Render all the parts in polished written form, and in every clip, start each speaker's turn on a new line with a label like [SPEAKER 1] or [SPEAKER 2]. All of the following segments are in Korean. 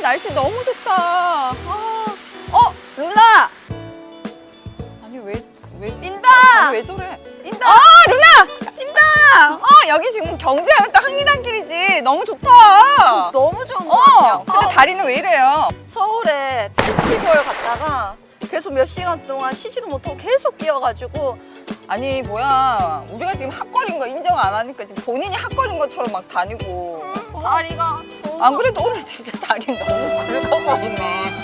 [SPEAKER 1] 날씨 너무 좋다. 루나. 아니 왜
[SPEAKER 2] 인다!
[SPEAKER 1] 아니, 왜 저래?
[SPEAKER 2] 인다!
[SPEAKER 1] 루나. 인다. 여기 지금 경주하면 또 한리단길이지. 너무 좋다.
[SPEAKER 2] 너무 좋은 것 같아요.
[SPEAKER 1] 근데 다리는 왜 이래요?
[SPEAKER 2] 서울에 페스티벌 갔다가 계속 몇 시간 동안 쉬지도 못하고 계속 뛰어가지고
[SPEAKER 1] 아니 뭐야, 우리가 지금 핫걸인 거 인정 안 하니까 지금 본인이 핫걸인 것처럼 막 다니고.
[SPEAKER 2] 다리가 너무
[SPEAKER 1] 안 그래도 오늘 진짜 다리 너무 굵어 보이네.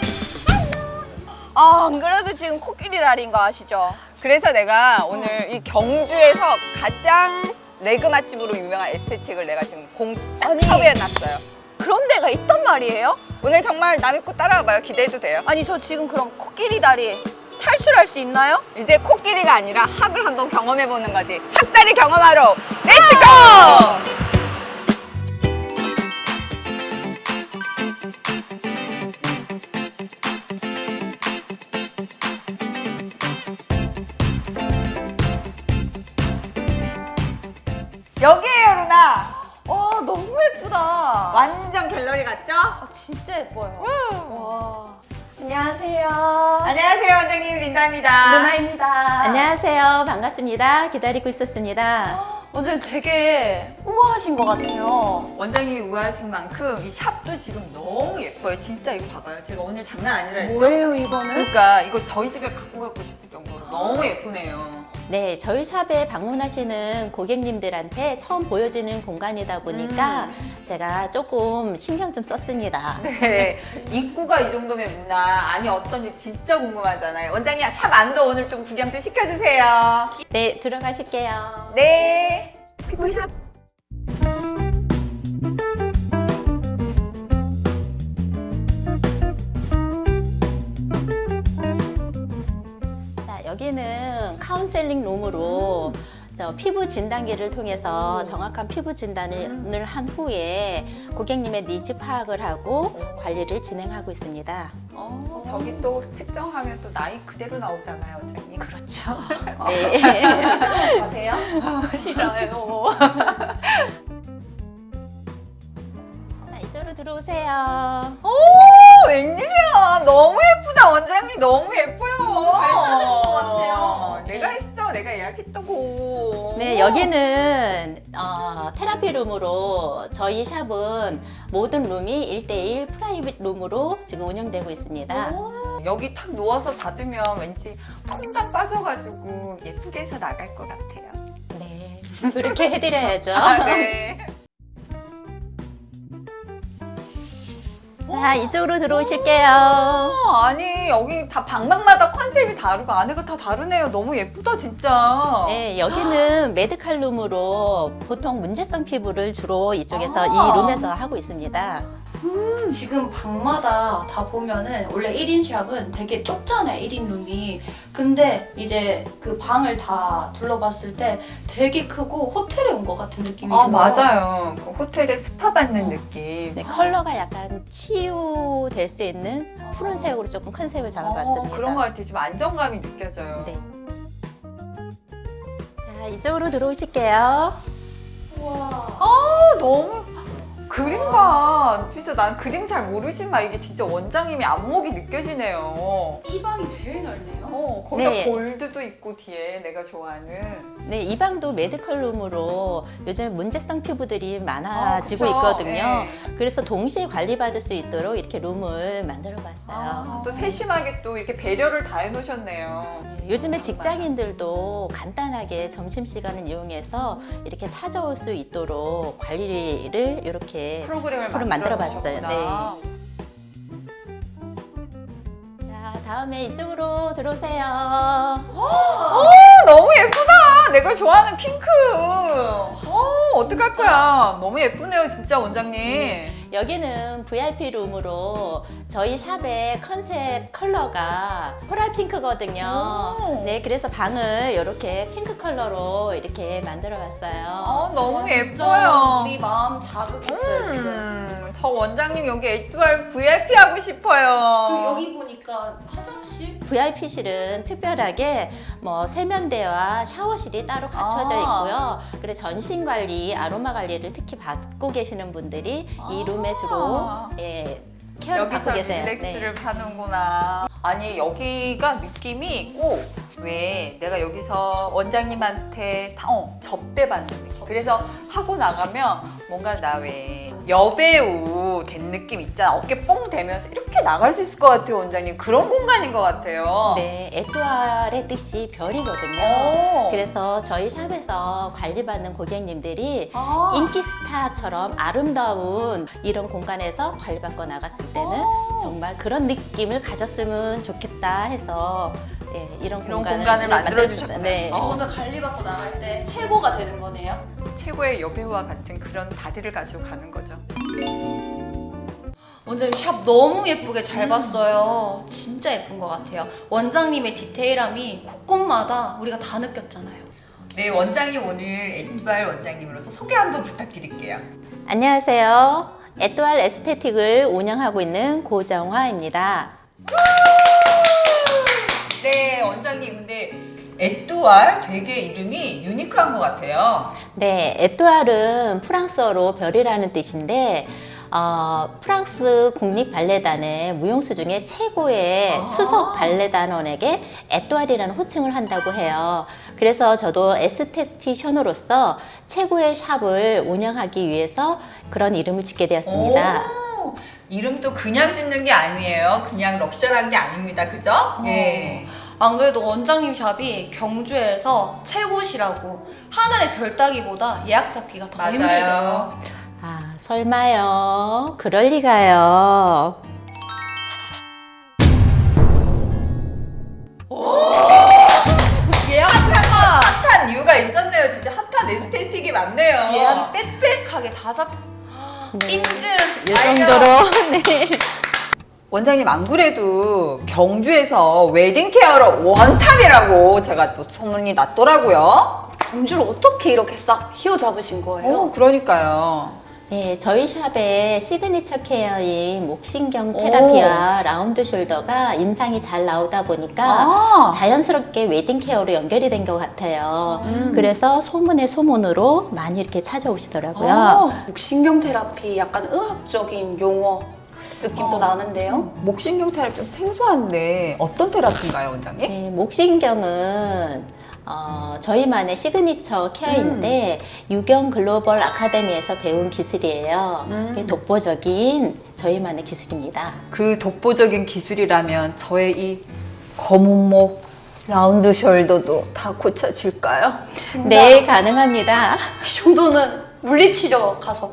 [SPEAKER 2] 안 그래도 지금 코끼리 다리인 거 아시죠?
[SPEAKER 1] 그래서 내가 오늘 이 경주에서 가장 레그 맛집으로 유명한 에스테틱을 내가 지금 공딱
[SPEAKER 2] 아니.
[SPEAKER 1] 섭외해놨어요.
[SPEAKER 2] 그런 데가 있단 말이에요?
[SPEAKER 1] 오늘 정말 남 믿고 따라와봐요. 기대해도 돼요.
[SPEAKER 2] 아니 저 지금 그럼 코끼리 다리 탈출할 수 있나요?
[SPEAKER 1] 이제 코끼리가 아니라 학을 한번 경험해보는 거지. 학다리 경험하러 렛츠고! 여기에요, 루나.
[SPEAKER 2] 와 너무 예쁘다.
[SPEAKER 1] 완전 갤러리 같죠?
[SPEAKER 2] 진짜 예뻐요.
[SPEAKER 1] 우!
[SPEAKER 2] 와. 안녕하세요.
[SPEAKER 1] 안녕하세요, 원장님 린다입니다.
[SPEAKER 2] 누나입니다.
[SPEAKER 3] 안녕하세요. 반갑습니다. 기다리고 있었습니다.
[SPEAKER 2] 원장님 되게 우아하신 것 같아요.
[SPEAKER 1] 원장님이 우아하신 만큼 이 샵도 지금 너무 예뻐요. 진짜 이거 봐봐요. 제가 오늘 장난 아니라 했죠?
[SPEAKER 2] 뭐예요 이거는?
[SPEAKER 1] 그러니까 이거 저희 집에 갖고 가고 싶을 정도로 너무 예쁘네요.
[SPEAKER 3] 네, 저희 샵에 방문하시는 고객님들한테 처음 보여지는 공간이다 보니까 제가 조금 신경 좀 썼습니다.
[SPEAKER 1] 네, 입구가 이 정도면 문화 안이 어떤지 진짜 궁금하잖아요. 원장님 샵 안도 오늘 좀 구경 좀 시켜주세요.
[SPEAKER 3] 네, 들어가실게요.
[SPEAKER 1] 네.
[SPEAKER 2] 피부샵.
[SPEAKER 3] 자, 여기는 카운셀링 룸으로 저 피부 진단기를 통해서 정확한 피부 진단을 한 후에 고객님의 니즈 파악을 하고 관리를 진행하고 있습니다.
[SPEAKER 1] 저기 또 측정하면 또 나이 그대로 나오잖아요, 원장님.
[SPEAKER 3] 그렇죠. 네.
[SPEAKER 2] 가세요?
[SPEAKER 1] 싫어요.
[SPEAKER 3] 자, 이쪽으로 들어오세요.
[SPEAKER 1] 오, 웬일이야. 너무 예쁘다, 원장님. 너무 예뻐요.
[SPEAKER 2] 너무 잘 찾은 것 같아요.
[SPEAKER 1] 내가 했어. 내가 예약했다고.
[SPEAKER 3] 네, 여기는 테라피 룸으로 저희 샵은 모든 룸이 1대1 프라이빗 룸으로 지금 운영되고 있습니다.
[SPEAKER 1] 여기 탁 누워서 닫으면 왠지 퐁당 빠져가지고 예쁘게 해서 나갈 것 같아요.
[SPEAKER 3] 네, 그렇게 해드려야죠.
[SPEAKER 1] 네.
[SPEAKER 3] 자, 이쪽으로 들어오실게요.
[SPEAKER 1] 아니 여기 다 방방마다 컨셉이 다르고 안에가 다 다르네요. 너무 예쁘다 진짜.
[SPEAKER 3] 네, 여기는 메디칼 룸으로 보통 문제성 피부를 주로 이쪽에서
[SPEAKER 1] 아.
[SPEAKER 3] 이 룸에서 하고 있습니다.
[SPEAKER 4] 지금 방마다 다 보면은 원래 1인 샵은 되게 좁잖아요, 1인 룸이. 근데 이제 그 방을 다 둘러봤을 때 되게 크고 호텔에 온 것 같은 느낌이 들어요.
[SPEAKER 1] 맞아요. 그 호텔에 스파 받는 느낌.
[SPEAKER 3] 네, 컬러가 약간 치유될 수 있는 푸른색으로 조금 컨셉을 잡아봤습니다.
[SPEAKER 1] 그런 것 같아요. 좀 안정감이 느껴져요.
[SPEAKER 3] 네. 자, 이쪽으로 들어오실게요.
[SPEAKER 4] 우와.
[SPEAKER 1] 너무 그림 봐. 진짜 난 그림 잘 모르지만 이게 진짜 원장님이 안목이 느껴지네요.
[SPEAKER 4] 이 방이 제일 넓네요.
[SPEAKER 1] 거기다
[SPEAKER 3] 네.
[SPEAKER 1] 골드도 있고 뒤에 내가 좋아하는.
[SPEAKER 3] 네, 이 방도 메디컬 룸으로 요즘 문제성 피부들이 많아지고
[SPEAKER 1] 그쵸?
[SPEAKER 3] 있거든요.
[SPEAKER 1] 네.
[SPEAKER 3] 그래서 동시에 관리받을 수 있도록 이렇게 룸을 만들어 봤어요.
[SPEAKER 1] 또 세심하게 또 이렇게 배려를 다 해놓으셨네요.
[SPEAKER 3] 요즘에 직장인들도 간단하게 점심시간을 이용해서 이렇게 찾아올 수 있도록 관리를 이렇게
[SPEAKER 1] 프로그램을
[SPEAKER 3] 만들어봤어요.
[SPEAKER 1] 만들어봤어요.
[SPEAKER 3] 자, 다음에 이쪽으로 들어오세요.
[SPEAKER 1] 너무 예쁘다. 내가 좋아하는 핑크. 어떡할 거야. 너무 예쁘네요, 진짜 원장님.
[SPEAKER 3] 여기는 VIP 룸으로 저희 샵의 컨셉 컬러가 코랄 핑크거든요.
[SPEAKER 1] 오.
[SPEAKER 3] 네, 그래서 방을 이렇게 핑크 컬러로 이렇게 만들어 봤어요.
[SPEAKER 1] 너무
[SPEAKER 4] 진짜
[SPEAKER 1] 예뻐요.
[SPEAKER 4] 우리 마음 자극했어요, 지금.
[SPEAKER 1] 저 원장님 여기 에이트발 VIP 하고 싶어요.
[SPEAKER 4] 그리고 여기 보니까 화장실?
[SPEAKER 3] VIP실은 특별하게 뭐 세면대와 샤워실이 따로 갖춰져 있고요. 그리고 전신 관리, 아로마 관리를 특히 받고 계시는 분들이 이 룸에 주로 케어를 받고
[SPEAKER 1] 여기서
[SPEAKER 3] 계세요.
[SPEAKER 1] 릴렉스를 하는구나. 아니 여기가 느낌이 꼭 왜 내가 여기서 원장님한테 접대받는 느낌. 그래서 하고 나가면 뭔가 나 왜 여배우 된 느낌 있잖아. 어깨 뽕 대면서 이렇게 나갈 수 있을 것 같아요, 원장님. 그런 공간인 것 같아요.
[SPEAKER 3] 네, 에뚜알의 뜻이 별이거든요.
[SPEAKER 1] 오.
[SPEAKER 3] 그래서 저희 샵에서 관리받는 고객님들이
[SPEAKER 1] 아.
[SPEAKER 3] 인기 스타처럼 아름다운 이런 공간에서 관리받고 나갔을 때는 정말 그런 느낌을 가졌으면 좋겠다 해서 네, 이런
[SPEAKER 1] 공간을 만들어주셨구나.
[SPEAKER 3] 네.
[SPEAKER 1] 어.
[SPEAKER 4] 저는 관리받고 나갈 때 최고가 되는 거네요.
[SPEAKER 1] 최고의 여배우와 같은 그런 다리를 가지고 가는 거죠.
[SPEAKER 4] 원장님 샵 너무 예쁘게 잘 봤어요. 진짜 예쁜 것 같아요. 원장님의 디테일함이 곳곳마다 우리가 다 느꼈잖아요.
[SPEAKER 1] 네, 원장님 오늘 에뚜알 원장님으로서 소개 한번 부탁드릴게요.
[SPEAKER 3] 안녕하세요. 에뚜알 에스테틱을 운영하고 있는 고정화입니다.
[SPEAKER 1] 네, 원장님 근데 에뚜알 되게 이름이 유니크한 것 같아요.
[SPEAKER 3] 네, 에뚜알은 프랑스어로 별이라는 뜻인데 프랑스 국립 발레단의 무용수 중에 최고의 수석 발레단원에게 에뚜알이라는 호칭을 한다고 해요. 그래서 저도 에스테티션으로서 최고의 샵을 운영하기 위해서 그런 이름을 짓게 되었습니다.
[SPEAKER 1] 오, 이름도 그냥 짓는 게 아니에요. 그냥 럭셔리한 게 아닙니다. 그죠? 예.
[SPEAKER 4] 안 그래도 원장님 샵이 경주에서 최고시라고 하늘의 별 따기보다 예약 잡기가 더 힘들대요.
[SPEAKER 1] 맞아요.
[SPEAKER 3] 아, 설마요. 그럴 리가요.
[SPEAKER 4] 예약표가
[SPEAKER 1] 핫한 이유가 있었네요. 진짜 핫한 에스테틱이 많네요.
[SPEAKER 4] 예약이 빽빽하게 다 잡.
[SPEAKER 3] 네.
[SPEAKER 4] 인증.
[SPEAKER 3] 이 정도로 네.
[SPEAKER 1] 원장님 안 그래도 경주에서 웨딩 케어로 원탑이라고 제가 또 소문이 났더라고요.
[SPEAKER 4] 경주를 어떻게 이렇게 싹 휘어잡으신 거예요?
[SPEAKER 1] 그러니까요.
[SPEAKER 3] 예, 저희 샵의 시그니처 케어인 목신경 테라피와 라운드 숄더가 임상이 잘 나오다 보니까
[SPEAKER 1] 아,
[SPEAKER 3] 자연스럽게 웨딩 케어로 연결이 된 것 같아요. 그래서 소문의 소문으로 많이 이렇게 찾아오시더라고요.
[SPEAKER 4] 신경 테라피 약간 의학적인 용어 느낌도 나는데요.
[SPEAKER 1] 목신경 테라피 좀 생소한데 어떤 테라피인가요, 원장님?
[SPEAKER 3] 네, 목신경은 저희만의 시그니처 케어인데 유경 글로벌 아카데미에서 배운 기술이에요. 이게 독보적인 저희만의 기술입니다.
[SPEAKER 1] 그 독보적인 기술이라면 저의 이 검은 목 라운드 숄더도 다 고쳐질까요?
[SPEAKER 3] 네, 가능합니다.
[SPEAKER 4] 이 정도는 물리치료 가서.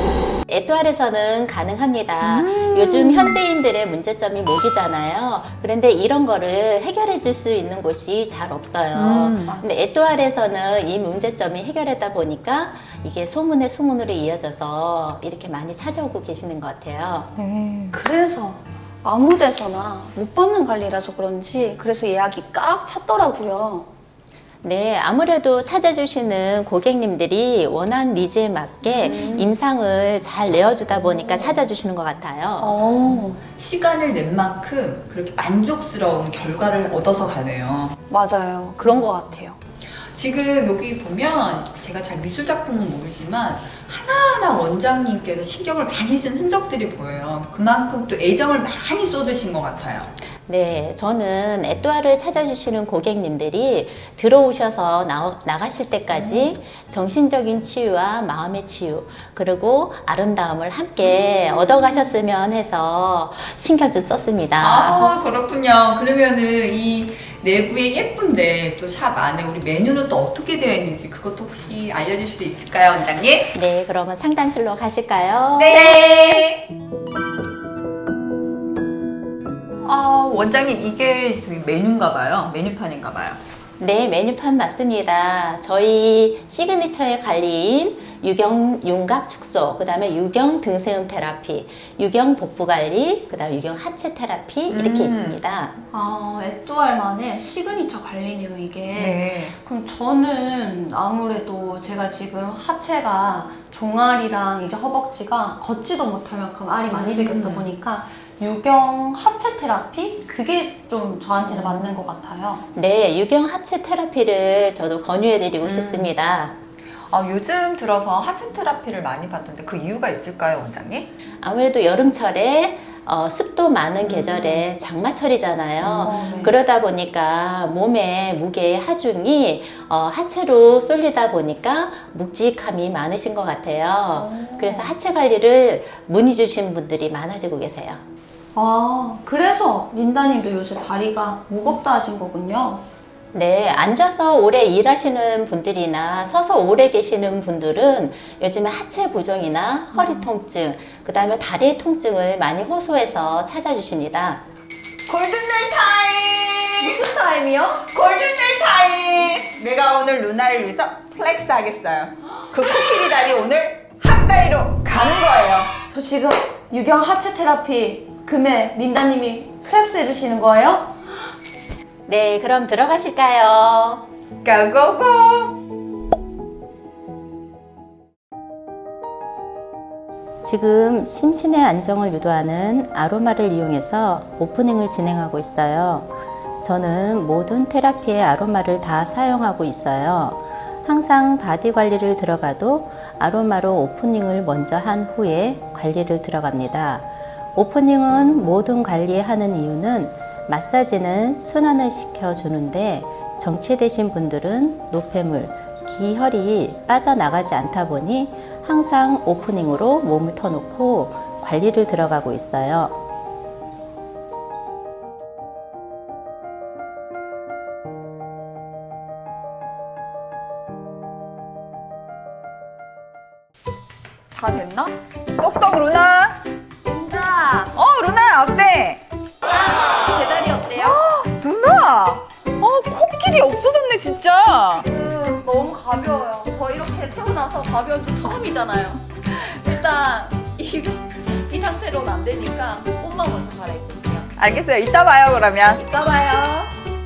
[SPEAKER 3] 에뚜알에서는 가능합니다. 요즘 현대인들의 문제점이 목이잖아요. 그런데 이런 거를 해결해 줄 수 있는 곳이 잘 없어요. 근데 에뚜알에서는 이 문제점이 해결했다 보니까 이게 소문의 소문으로 이어져서 이렇게 많이 찾아오고 계시는 것 같아요.
[SPEAKER 4] 그래서 아무 데서나 못 받는 관리라서 그런지 그래서 예약이 꽉 찼더라고요.
[SPEAKER 3] 네, 아무래도 찾아주시는 고객님들이 원하는 니즈에 맞게 임상을 잘 내어주다 보니까 찾아주시는 것 같아요.
[SPEAKER 1] 시간을 낸 만큼 그렇게 만족스러운 결과를 얻어서 가네요.
[SPEAKER 4] 맞아요. 그런 것 같아요.
[SPEAKER 1] 지금 여기 보면 제가 잘 미술 작품은 모르지만 하나하나 원장님께서 신경을 많이 쓴 흔적들이 보여요. 그만큼 또 애정을 많이 쏟으신 것 같아요.
[SPEAKER 3] 네, 저는 에뚜알을 찾아주시는 고객님들이 들어오셔서 나가실 때까지 정신적인 치유와 마음의 치유, 그리고 아름다움을 함께 얻어가셨으면 해서 신경 좀 썼습니다.
[SPEAKER 1] 아, 그렇군요. 그러면은 이 내부에 예쁜데 또 샵 안에 우리 메뉴는 또 어떻게 되어 있는지 그것도 혹시 알려주실 수 있을까요, 원장님?
[SPEAKER 3] 네, 그러면 상담실로 가실까요?
[SPEAKER 1] 네. 아, 원장님 이게 저희 메뉴인가 봐요. 메뉴판인가 봐요.
[SPEAKER 3] 네, 메뉴판 맞습니다. 저희 시그니처의 관리인 유경 윤곽 축소, 그 다음에 유경 등세음 테라피, 유경 복부 관리, 그 다음에 유경 하체 테라피 이렇게 있습니다.
[SPEAKER 4] 아, 에뚜알만의 시그니처 관리네요, 이게.
[SPEAKER 1] 네.
[SPEAKER 4] 그럼 저는 아무래도 제가 지금 하체가 종아리랑 이제 허벅지가 걷지도 못할 만큼 알이 많이 배겼다 보니까 유경 하체 테라피? 그게 좀 저한테는 맞는 것 같아요.
[SPEAKER 3] 네, 유경 하체 테라피를 저도 권유해드리고 싶습니다.
[SPEAKER 1] 아, 요즘 들어서 하체 테라피를 많이 받던데 그 이유가 있을까요, 원장님?
[SPEAKER 3] 아무래도 여름철에 습도 많은 계절에 장마철이잖아요.
[SPEAKER 1] 네.
[SPEAKER 3] 그러다 보니까 몸의 무게의 하중이 하체로 쏠리다 보니까 묵직함이 많으신 것 같아요. 그래서 하체 관리를 문의 주신 분들이 많아지고 계세요.
[SPEAKER 4] 아, 그래서 린다님도 요새 다리가 무겁다 하신 거군요.
[SPEAKER 3] 네, 앉아서 오래 일하시는 분들이나 서서 오래 계시는 분들은 요즘에 하체 부종이나 허리 통증, 그 다음에 다리 통증을 많이 호소해서 찾아주십니다.
[SPEAKER 1] 골든벨 타임!
[SPEAKER 2] 무슨 타임이요?
[SPEAKER 1] 골든벨 타임! 내가 오늘 루나를 위해서 플렉스 하겠어요. 그 코끼리 다리 오늘 학다리로 가는 거예요.
[SPEAKER 4] 저 지금 유경 하체 테라피 금에 린다님이 플렉스 해주시는 거예요?
[SPEAKER 3] 네, 그럼 들어가실까요?
[SPEAKER 1] 고고고!
[SPEAKER 3] 지금 심신의 안정을 유도하는 아로마를 이용해서 오프닝을 진행하고 있어요. 저는 모든 테라피의 아로마를 다 사용하고 있어요. 항상 바디 관리를 들어가도 아로마로 오프닝을 먼저 한 후에 관리를 들어갑니다. 오프닝은 모든 관리하는 이유는 마사지는 순환을 시켜주는데 정체되신 분들은 노폐물, 기혈이 빠져나가지 않다 보니 항상 오프닝으로 몸을 터놓고 관리를 들어가고 있어요.
[SPEAKER 1] 다 됐나? 똑똑 루나!
[SPEAKER 2] 린다,
[SPEAKER 1] 루나 어때?
[SPEAKER 2] 제 다리 어때요?
[SPEAKER 1] 누나! 코끼리 없어졌네 진짜!
[SPEAKER 2] 너무 가벼워요. 저 이렇게 태어나서 가벼운 지 처음이잖아요. 일단 이 상태로는 안 되니까 옷만 먼저 갈아입을게요.
[SPEAKER 1] 알겠어요. 이따 봐요 그러면.
[SPEAKER 2] 이따 봐요.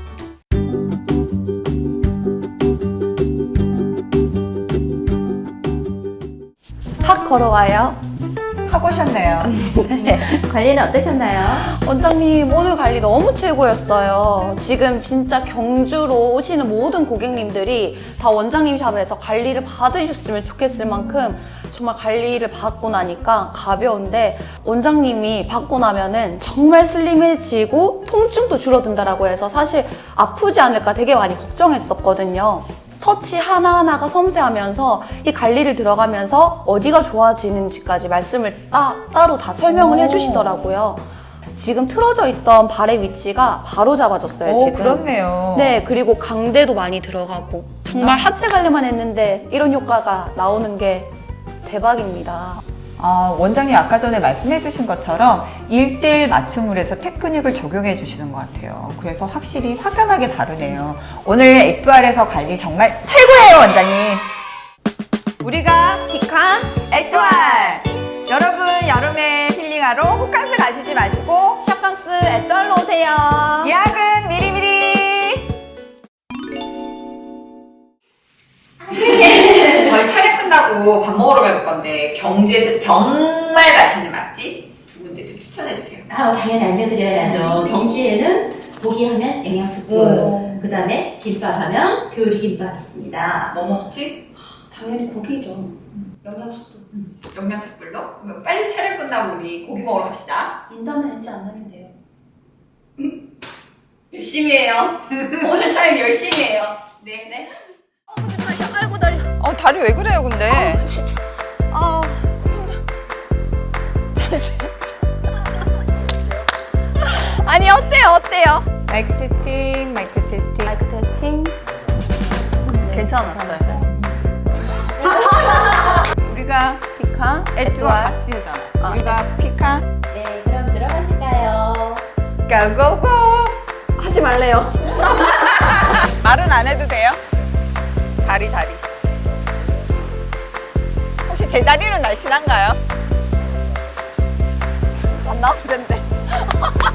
[SPEAKER 4] 학 걸어와요.
[SPEAKER 1] 하고 오셨네요.
[SPEAKER 3] 관리는 어떠셨나요?
[SPEAKER 4] 원장님 오늘 관리 너무 최고였어요. 지금 진짜 경주로 오시는 모든 고객님들이 다 원장님 샵에서 관리를 받으셨으면 좋겠을 만큼 정말 관리를 받고 나니까 가벼운데 원장님이 받고 나면은 정말 슬림해지고 통증도 줄어든다라고 해서 사실 아프지 않을까 되게 많이 걱정했었거든요. 터치 하나하나가 섬세하면서 이 관리를 들어가면서 어디가 좋아지는지까지 말씀을 따로 다 설명을 해주시더라고요. 지금 틀어져 있던 발의 위치가 바로 잡아졌어요, 지금.
[SPEAKER 1] 그렇네요.
[SPEAKER 4] 네, 그리고 강대도 많이 들어가고 정말 하체 관리만 했는데 이런 효과가 나오는 게 대박입니다.
[SPEAKER 1] 원장님 아까 전에 말씀해 주신 것처럼 1대1 맞춤을 해서 테크닉을 적용해 주시는 것 같아요. 그래서 확실히 확연하게 다르네요. 오늘 에뚜알에서 관리 정말 최고예요, 원장님. 우리가
[SPEAKER 2] 피칸
[SPEAKER 1] 에뚜알! 여러분 여름에 힐링하러 호캉스 가시지 마시고
[SPEAKER 2] 샵강스 에뚜알로 오세요.
[SPEAKER 1] 예약은 미리미리! 저희 촬영 끝나고 밥 먹으러 갈 건데 경주에서 정말 맛있는 맛집 두 군데 좀 추천해 주세요.
[SPEAKER 5] 당연히 알려드려야죠. 경주에는 고기 하면 영양숙국, 그 다음에 김밥 하면 교리김밥 있습니다.
[SPEAKER 1] 뭐 먹지?
[SPEAKER 4] 당연히 고기죠. 영양숙도.
[SPEAKER 1] 영양숯불로? 그러면 빨리 촬영 끝나고 우리 고기 먹으러 갑시다.
[SPEAKER 4] 인담을 했지 않으면 돼요.
[SPEAKER 2] 열심히 해요. 오늘 촬영 열심히 해요.
[SPEAKER 1] 네.
[SPEAKER 2] 네. 근데 다리, 아이고 다리.
[SPEAKER 1] 다리 왜 그래요, 근데?
[SPEAKER 2] 진짜. 진짜. 잠시만. 아니 어때요?
[SPEAKER 1] 마이크 테스팅, 마이크 테스팅.
[SPEAKER 4] 마이크 테스팅.
[SPEAKER 2] 괜찮았어요.
[SPEAKER 1] 우리가
[SPEAKER 2] 피칸
[SPEAKER 1] 에뚜알 같이 하잖아. 우리가 피칸,
[SPEAKER 3] 네, 그럼 들어가실까요?
[SPEAKER 1] 고고고!
[SPEAKER 2] 하지 말래요.
[SPEAKER 1] 말은 안 해도 돼요? 다리. 혹시 제 다리는 날씬한가요?
[SPEAKER 2] 안 나와도 된대.